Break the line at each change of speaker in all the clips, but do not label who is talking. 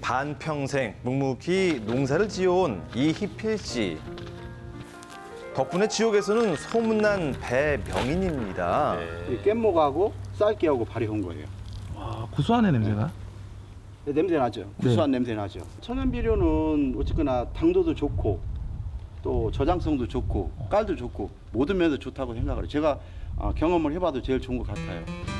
반평생 묵묵히 농사를 지어온 이희필 씨. 덕분에 지역에서는 소문난 배명인입니다.
이 깻목하고 쌀기하고 발효한 거예요.
와, 구수하네 냄새가.
냄새 나죠. 구수한 냄새 나죠. 천연 비료는 어쨌거나 당도도 좋고 또 저장성도 좋고 깔도 좋고 모든 면에서 좋다고 생각을 해요. 제가 경험을 해봐도 제일 좋은 것 같아요.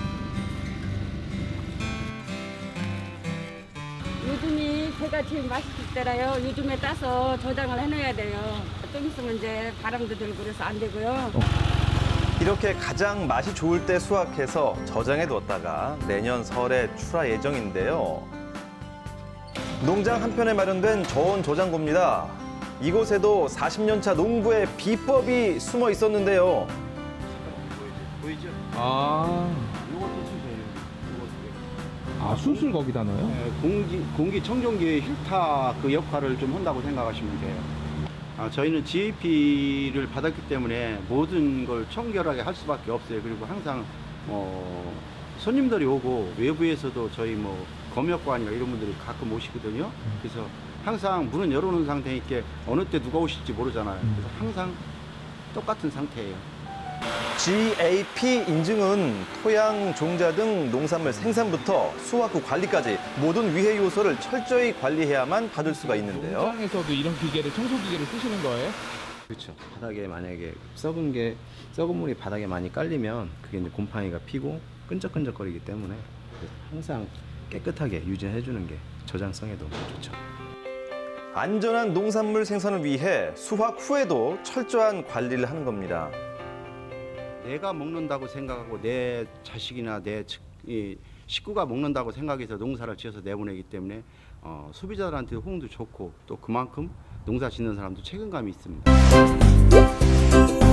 요즘이 배가 제일 맛있을 때라요. 요즘에 따서 저장을 해놔야 돼요. 좀 있으면 이제 바람도 들고 그래서 안 되고요.
이렇게 가장 맛이 좋을 때 수확해서 저장해 뒀다가 내년 설에 출하 예정인데요. 농장 한편에 마련된 저온 저장고입니다. 이곳에도 40년 차 농부의 비법이 숨어 있었는데요.
보이죠?
아,
이것도 수세요.
술술 거기다 넣어요?
공기 청정기의 힐타 그 역할을 좀 한다고 생각하시면 돼요. 저희는 GAP를 받았기 때문에 모든 걸 청결하게 할 수밖에 없어요. 그리고 항상 손님들이 오고 외부에서도 저희 검역관이나 이런 분들이 가끔 오시거든요. 그래서 항상 문은 열어놓은 상태니까 어느 때 누가 오실지 모르잖아요. 그래서 항상 똑같은 상태예요.
GAP 인증은 토양, 종자 등 농산물 생산부터 수확 후 관리까지 모든 위해 요소를 철저히 관리해야만 받을 수가 있는데요.
농장에서도 이런 기계를 청소 기계를 쓰시는 거예요?
그렇죠. 바닥에 만약에 썩은 물이 바닥에 많이 깔리면 그게 이제 곰팡이가 피고 끈적끈적거리기 때문에 항상 깨끗하게 유지해 주는 게 저장성에도 좋죠.
안전한 농산물 생산을 위해 수확 후에도 철저한 관리를 하는 겁니다.
내가 먹는다고 생각하고 내 자식이나 이 식구가 먹는다고 생각해서 농사를 지어서 내보내기 때문에 소비자들한테 호응도 좋고 또 그만큼 농사 짓는 사람도 책임감이 있습니다.